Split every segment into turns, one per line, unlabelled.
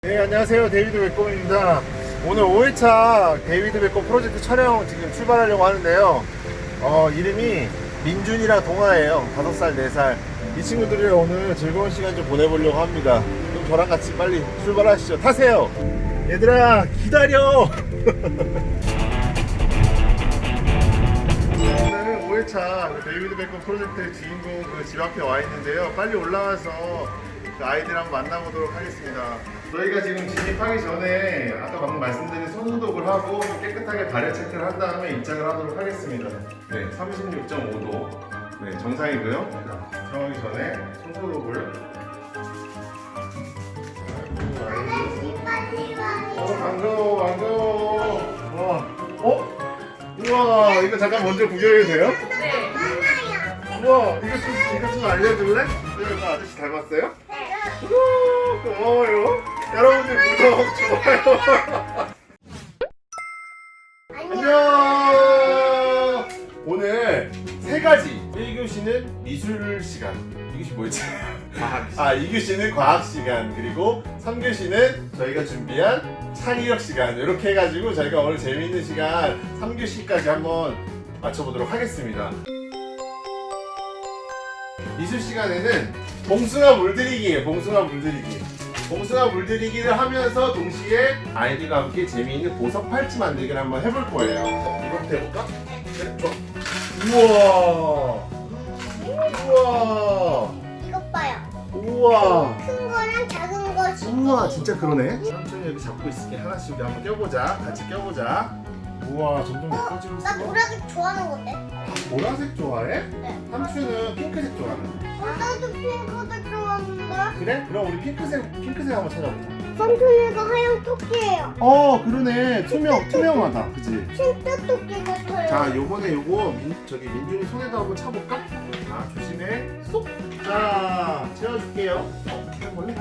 네, 안녕하세요. 데이비드 백곰입니다. 오늘 5회차 데이비드 백곰 프로젝트 촬영 지금 출발하려고 하는데요. 이름이 민준이랑 동아예요. 5살, 4살. 이 친구들이랑 오늘 즐거운 시간 좀 보내보려고 합니다. 그럼 저랑 같이 빨리 출발하시죠. 타세요. 얘들아, 기다려! 오늘은 5회차 데이비드 백곰 프로젝트의 주인공 집 앞에 와 있는데요. 빨리 올라와서 그 아이들 한번 만나보도록 하겠습니다. 저희가 지금 진입하기 전에 아까 방금 말씀드린 손소독을 하고 깨끗하게 발열 체크를 한 다음에 입장을 하도록 하겠습니다. 네, 36.5도. 네, 정상이고요. 들어가기 전에 손소독을. 반가워, 반가워. 우와, 이거 잠깐 먼저 구경해도 돼요?
네.
우와, 이거 좀 알려줄래? 이거 아저씨 닮았어요? 우, 고마워요. 여러분들 구독, 좋아요. 안녕. 오늘 3가지. 1교시는 미술 시간. 2교시 뭐였지? 과학 시간. 2교시는 과학 시간. 그리고 3교시는 저희가 준비한 창의력 시간. 이렇게 해가지고 저희가 오늘 재미있는 시간 3교시까지 한번 맞춰보도록 하겠습니다. 미술 시간에는 봉숭아 물들이기예요. 봉숭아 물들이기. 봉숭아 물들이기를 하면서 동시에 아이들과 함께 재미있는 보석 팔찌 만들기를 한번 해볼 거예요. 이거부터 해볼까? 네, 좋아. 우와. 우와.
이것 봐요.
우와.
큰 거랑 작은 거.
우와, 진짜 그러네. 삼촌이 여기 잡고 있을게. 하나씩 우리 한번 껴보자. 같이 껴보자. 우와, 점점 예뻐지고 있어.
나 노란색 좋아하는 건데.
보라색 좋아해?
네.
삼촌은 핑크색 좋아하는데.
나도 핑크색 좋아하는데.
그래? 그럼 우리 핑크색 한번 찾아보자.
삼촌이가 하얀 토끼예요.
그러네. 투명하다. 그치?
진짜 토끼 같아요.
자, 요번에 요거 민준이 손에다 한번 차볼까? 자, 조심해. 쏙! 자, 채워줄게요. 해볼래?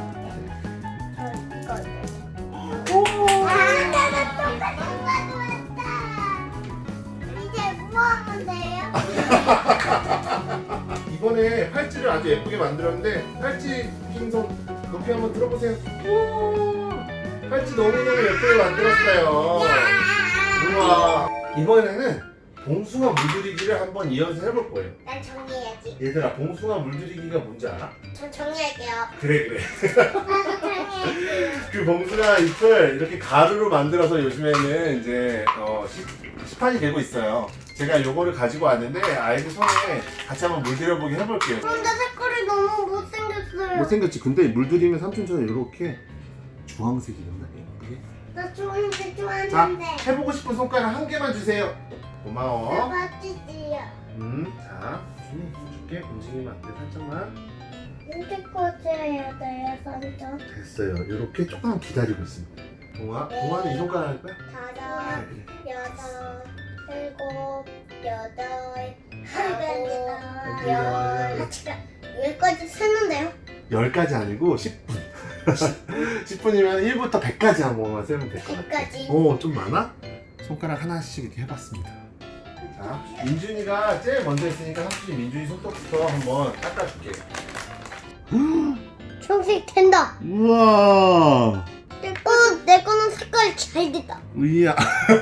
오!
나도 똑같은 거 했다. 이제 뭐 하면 돼요?
이번에 팔찌를 아주 예쁘게 만들었는데 팔찌 흰손 높이 한번 들어보세요. 우와! 팔찌 너무너무 예쁘게 만들었어요. 우와! 이번에는 봉숭아 물들이기를 한번 이어서 해볼 거예요.
난 정리해야지.
얘들아, 봉숭아 물들이기가 뭔지 알아?
전 정리할게요.
그래.
나도 정리할게요.
그 봉숭아 잎을 이렇게 가루로 만들어서 요즘에는 이제 시판이 되고 있어요. 제가 요거를 가지고 왔는데 아이들 손에 같이 한번 물들여보게 해볼게요.
근데 색깔이 너무 못생겼어요.
못생겼지? 근데 물들이면 삼촌처럼 이렇게 주황색이 된다. 예쁘게.
나 좋은데
자,
좋아하는데.
해보고 싶은 손가락 한 개만 주세요. 고마워.
맛있지요.
자, 줄게. 움직이면 안 돼. 살짝만.
이렇게 꽂아야 돼요, 삼촌.
됐어요. 이렇게 조금 기다리고 있습니다. 동아는 이 손가락 할 거야?
다섯,
그래.
여섯, 일곱, 여덟,
아홉,
열. 여기까지 세는데요?
10가지 아니고 10분. 10분이면 1부터 100까지 한 번만 세면 될 것 같아.
100까지?
좀 많아? 손가락 하나씩 이렇게 해봤습니다. 자, 민준이가 제일 먼저 했으니까 삼촌이 민준이 손톱부터 한번 닦아줄게.
초록색 된다.
우와.
내 거는 색깔이 잘 됐다.
우이야.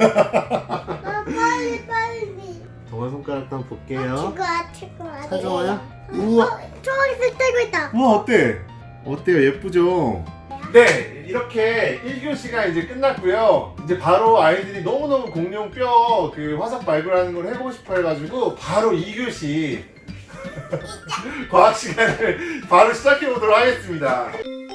빨리.
동아 손가락도 한번 볼게요.
친구야.
찾아와요? 우와.
초록색 되고 있다.
우와, 어때? 어때요? 예쁘죠? 네, 이렇게 1교시가 이제 끝났고요. 이제 바로 아이들이 너무너무 공룡뼈 그 화석 발굴하는 걸 해보고 싶어 해가지고 바로 2교시 과학 시간을 바로 시작해 보도록 하겠습니다.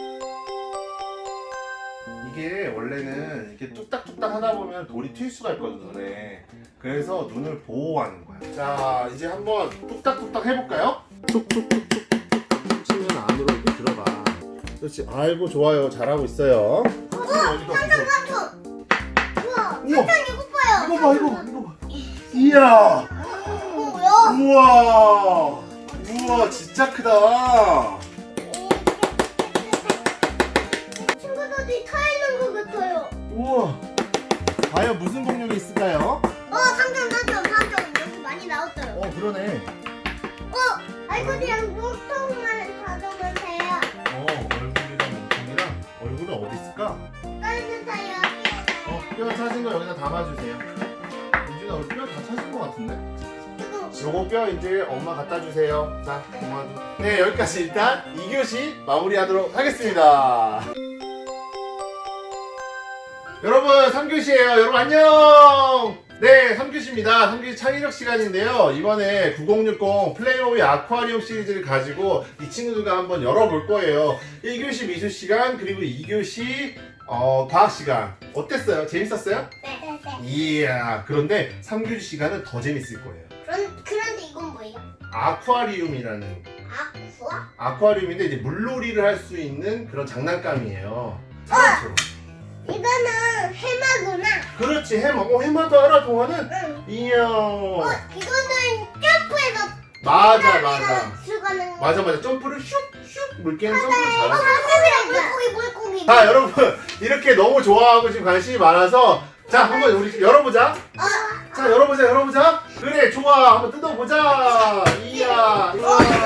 이게 원래는 이렇게 뚝딱뚝딱 하다 보면 돌이 튈 수가 있거든, 눈에. 그래서 눈을 보호하는 거야. 자, 이제 한번 뚝딱뚝딱 해볼까요? 뚝뚝뚝뚝 치면 안으로 이렇게 들어가. 그렇지. 아이고, 좋아요. 잘하고 있어요.
삼촌. 우와.
우와.
삼촌 이거 봐요.
이거 봐. 이야.
뭐야?
우와, 진짜 크다.
친구들이 타 있는 것 같아요.
우와. 과연 무슨 공룡이 있을까요?
삼촌 여기 많이 나왔어요.
그러네.
아이들이랑 목통만 가져오면 돼요.
얼굴이랑 몸통이랑 얼굴은 친구는 어디 있을까?
딸는 다 여기.
뼈 찾은 거 여기다 담아주세요. 민준아 우리 뼈 다 찾은 거 같은데?
이거
요거 뼈 이제 엄마 갖다 주세요. 자, 동아도. 네, 여기까지 일단 2교시 마무리하도록 하겠습니다. 여러분, 3교시예요. 여러분 안녕! 네, 3교시입니다. 3교시 창의력 시간인데요. 이번에 9060 플레이모비 아쿠아리움 시리즈를 가지고 이 친구들과 한번 열어볼 거예요. 1교시 미술 시간, 그리고 2교시 과학 시간. 어땠어요? 재밌었어요?
네.
이야, 그런데 3교시 시간은 더 재밌을 거예요.
그런데 이건 뭐예요?
아쿠아리움이라는
아쿠아?
아쿠아리움인데 이제 물놀이를 할 수 있는 그런 장난감이에요. 사람처럼.
이거는 해마구나.
그렇지, 해마. 해마도 알아, 동화는?
응.
이야.
이거는 점프해서
맞아.
들어가는 거.
맞아. 점프를 슉슉 물개는 점프를 잘하죠.
물고기.
자, 여러분 이렇게 너무 좋아하고 지금 관심이 많아서 자, 한번 우리 열어보자. 자, 열어보자. 그래, 좋아. 한번 뜯어보자. 이야.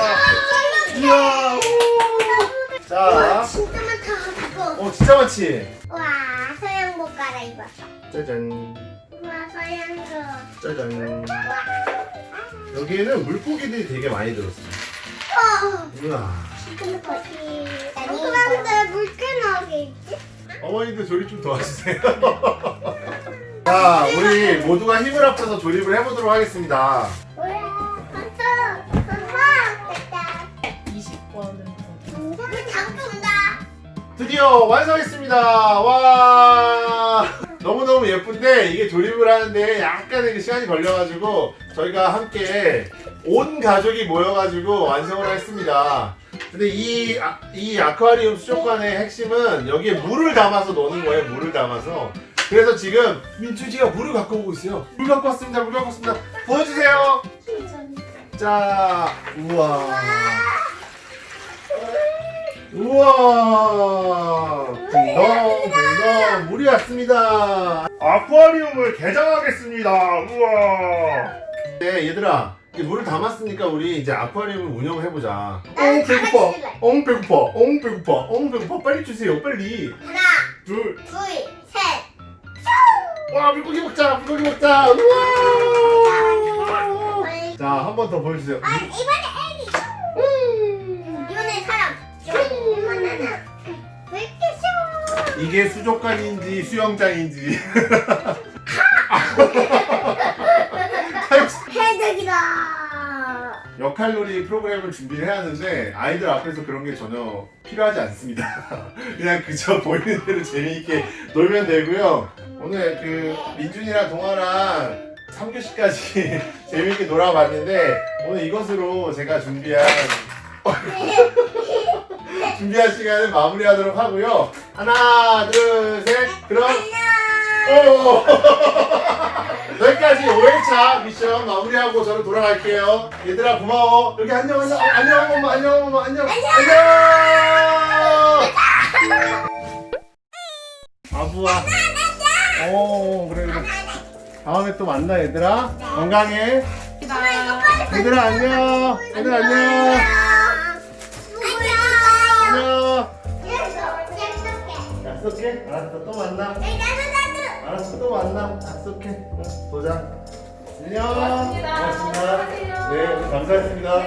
우. 자,
진짜 많다 이거.
진짜 많지.
와 서양복 갈아입었어.
짜잔.
와 서양복.
짜잔.
와.
여기에는 물고기들이 되게 많이 들었어. 우와.
그런데 물개 나오게 있지?
어머니들 조립 좀 도와주세요. 자, 우리 모두가 힘을 합쳐서 조립을 해보도록 하겠습니다.
우와 됐다.
20번은
우리 장좀다.
드디어 완성했습니다. 와, 너무너무 예쁜데 이게 조립을 하는데 약간의 시간이 걸려가지고 저희가 함께 온 가족이 모여가지고 완성을 했습니다. 근데 이 아쿠아리움 수족관의 핵심은 여기에 물을 담아서 노는 거예요. 물을 담아서. 그래서 지금 민준이가 물을 갖고 오고 있어요. 물 갖고 왔습니다. 보여주세요. 자, 우와. 붕덩 물이 왔습니다. 아쿠아리움을 개장하겠습니다. 우와. 네, 얘들아, 이제 물을 담았으니까 우리 이제 아쿠아리움을 운영을 해보자.
나는 다 같이 할래.
배고파. 빨리 주세요, 빨리.
하나,
둘.
둘, 셋.
와, 물고기 먹자. 우와. 자, 한 번 더 보여주세요.
이번에 애기. 이번에 사람. 이번에는 왜 이렇게 쉬워?
이게 수족관인지 수영장인지.
해적이다.
역할놀이 프로그램을 준비를 해야 하는데 아이들 앞에서 그런 게 전혀 필요하지 않습니다. 그냥 그저 보이는 대로 재미있게 놀면 되고요. 오늘 그 민준이랑 동아랑 3교시까지 재미있게 놀아봤는데 오늘 이것으로 제가 준비한 시간을 마무리하도록 하고요. 하나, 둘, 셋. 그럼 오! 여기까지 5회차 미션 마무리하고 저는 돌아갈게요. 얘들아 고마워. 여기 안녕 엄마. 안녕. 아부아. 그래. 다음에 또 만나 얘들아. 건강해. 얘들아 안녕. 안녕. 약속해. 알았어. 또 만나. 알았어, 또 만나. 약속해. 응, 도장. 안녕. 고맙습니다. 네, 오늘 감사했습니다.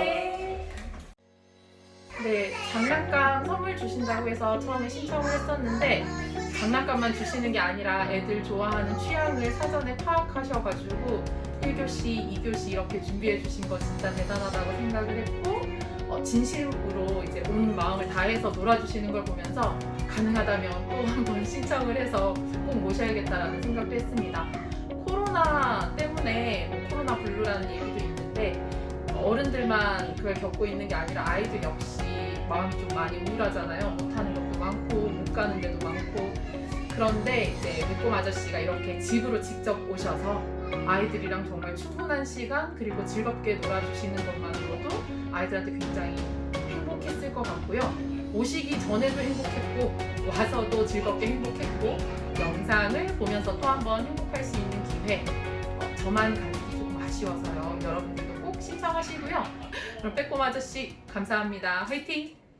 네, 장난감 선물 주신다고 해서 처음에 신청을 했었는데 장난감만 주시는 게 아니라 애들 좋아하는 취향을 사전에 파악하셔가지고 1교시, 2교시 이렇게 준비해 주신 거 진짜 대단하다고 생각을 했고 진심으로 이제 온 마음을 다해서 놀아주시는 걸 보면서 가능하다면 또 한 번 신청을 해서 꼭 모셔야겠다라는 생각도 했습니다. 코로나 때문에 코로나 블루라는 얘기도 있는데 어른들만 그걸 겪고 있는 게 아니라 아이들 역시 마음이 좀 많이 우울하잖아요. 못하는 것도 많고 못 가는 데도 많고 그런데 이제 매꼼 아저씨가 이렇게 집으로 직접 오셔서 아이들이랑 정말 충분한 시간 그리고 즐겁게 놀아주시는 것만으로도 아이들한테 굉장히 행복했을 것 같고요. 오시기 전에도 행복했고 와서도 즐겁게 행복했고 영상을 보면서 또 한 번 행복할 수 있는 기회 저만 가기 조금 아쉬워서요. 여러분들도 꼭 신청하시고요. 그럼 빼꼼 아저씨 감사합니다. 화이팅!